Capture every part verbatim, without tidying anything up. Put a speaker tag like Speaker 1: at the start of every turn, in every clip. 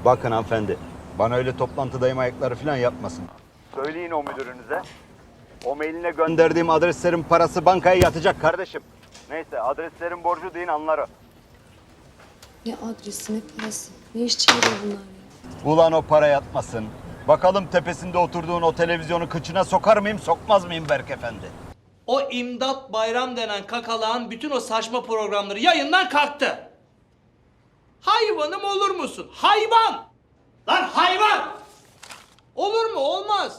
Speaker 1: Bakın hanımefendi, bana öyle toplantıdayım ayakları falan yapmasın. Söyleyin o müdürünüze. O mailine gönderdiğim adreslerin parası bankaya yatacak kardeşim. Neyse, adreslerin borcu deyin anlar o.
Speaker 2: Ne adresi ne parası? Ne iş çeviriyor bunlar ya?
Speaker 1: Ulan o para yatmasın. Bakalım tepesinde oturduğun o televizyonu kıçına sokar mıyım, sokmaz mıyım Berk Efendi?
Speaker 3: O İmdat Bayram denen kakalağın bütün o saçma programları yayından kalktı. Hayvanım olur musun? Hayvan! Lan hayvan! Olur mu? Olmaz.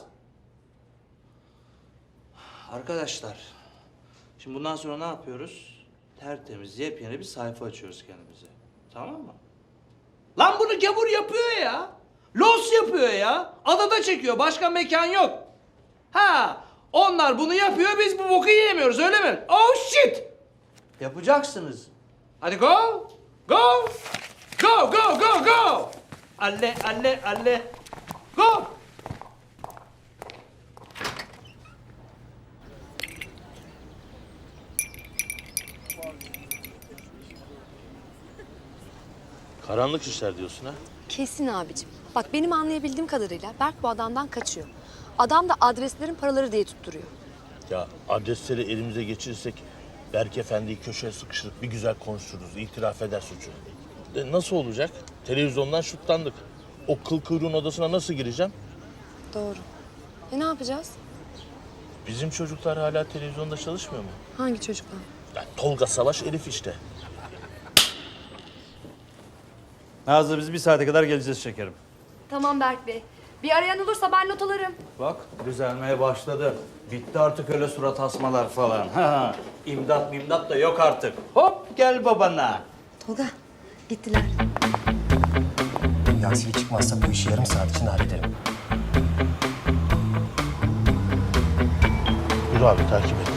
Speaker 3: Arkadaşlar, şimdi bundan sonra ne yapıyoruz? Tertemiz, yepyeni bir sayfa açıyoruz kendimize. Tamam mı? Lan bunu gavur yapıyor ya. Los yapıyor ya. Adada çekiyor. Başka mekan yok. Ha, onlar bunu yapıyor, biz bu boku yiyemiyoruz, öyle mi? Oh shit! Yapacaksınız. Hadi go! Go! Go, go, go, go! Alle, alle, alle. Go!
Speaker 4: Karanlık işler diyorsun ha?
Speaker 2: Kesin abicim. Bak benim anlayabildiğim kadarıyla Berk bu adamdan kaçıyor. Adam da adreslerin paraları diye tutturuyor.
Speaker 4: Ya adresleri elimize geçirirsek Berk Efendi'yi köşeye sıkıştırıp bir güzel konuştururuz, itiraf eder suçu. E nasıl olacak? Televizyondan şutlandık. O kıl kuyruğun odasına nasıl gireceğim?
Speaker 2: Doğru. E ne yapacağız?
Speaker 4: Bizim çocuklar hala televizyonda çalışmıyor mu?
Speaker 2: Hangi çocuklar?
Speaker 4: Ya Tolga Savaş, Elif işte.
Speaker 1: Nazlı, biz bir saate kadar geleceğiz şekerim.
Speaker 2: Tamam Berk Bey. Bir arayan olursa ben not alırım.
Speaker 3: Bak, düzelmeye başladı. Bitti artık öyle surat asmalar falan. Ha, imdat mimdat da yok artık. Hop, gel babana.
Speaker 2: Tolga gittiler.
Speaker 5: Bir aksilik çıkmazsa bu işi yarım saat içinde hallederim.
Speaker 4: Yürü abi, takip et.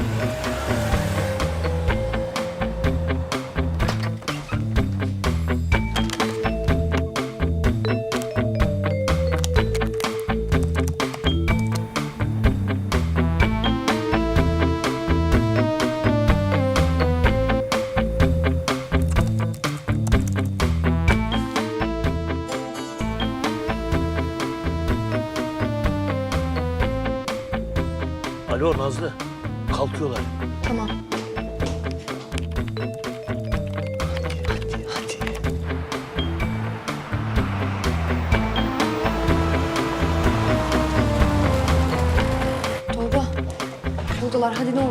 Speaker 4: Alo Nazlı, kalkıyorlar.
Speaker 2: Tamam. Tolga. Buradalar, hadi ne olur.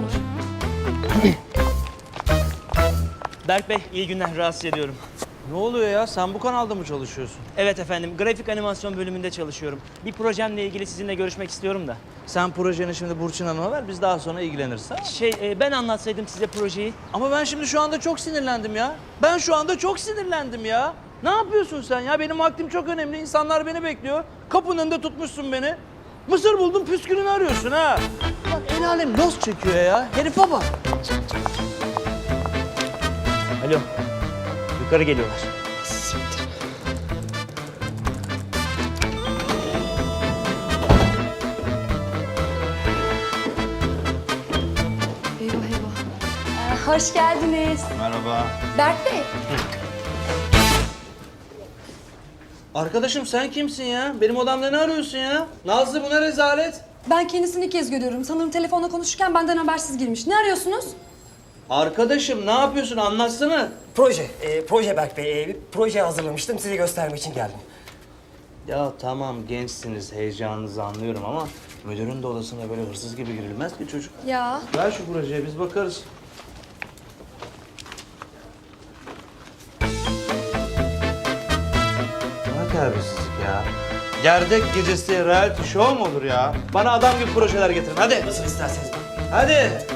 Speaker 6: Berk Bey, iyi günler. Rahatsız ediyorum.
Speaker 3: Ne oluyor ya? Sen bu kanalda mı çalışıyorsun?
Speaker 6: Evet efendim, grafik animasyon bölümünde çalışıyorum. Bir projemle ilgili sizinle görüşmek istiyorum da.
Speaker 3: Sen projeni şimdi Burçin Hanım'a ver, biz daha sonra ilgileniriz. Ha?
Speaker 6: Şey, e, ben anlatsaydım size projeyi.
Speaker 3: Ama ben şimdi şu anda çok sinirlendim ya. Ben şu anda çok sinirlendim ya. Ne yapıyorsun sen ya? Benim vaktim çok önemli. İnsanlar beni bekliyor. Kapının önünde tutmuşsun beni. Mısır buldun, püskülünü arıyorsun ha. Bak el alem los çekiyor ya. Herife bak.
Speaker 6: Alo, yukarı geliyorlar.
Speaker 2: Eyvah eyvah. Ee, hoş geldiniz.
Speaker 1: Merhaba.
Speaker 2: Berk Bey.
Speaker 3: Arkadaşım sen kimsin ya? Benim odamda ne arıyorsun ya? Nazlı, bu ne rezalet?
Speaker 2: Ben kendisini ilk kez görüyorum. Sanırım telefonla konuşurken benden habersiz girmiş. Ne arıyorsunuz?
Speaker 3: Arkadaşım ne yapıyorsun? Anlatsana.
Speaker 5: Proje, e, proje Berk Bey. E, bir proje hazırlamıştım, size göstermek için geldim.
Speaker 3: Ya tamam gençsiniz, heyecanınızı anlıyorum ama müdürün de odasına böyle hırsız gibi girilmez ki çocuk.
Speaker 2: Ya.
Speaker 3: Ver şu projeye, biz bakarız. Ne terbiyesizlik ya. Gerdek gecesi reality show mu olur ya? Bana adam gibi projeler getirin, hadi.
Speaker 5: Nasıl isterseniz.
Speaker 3: Hadi.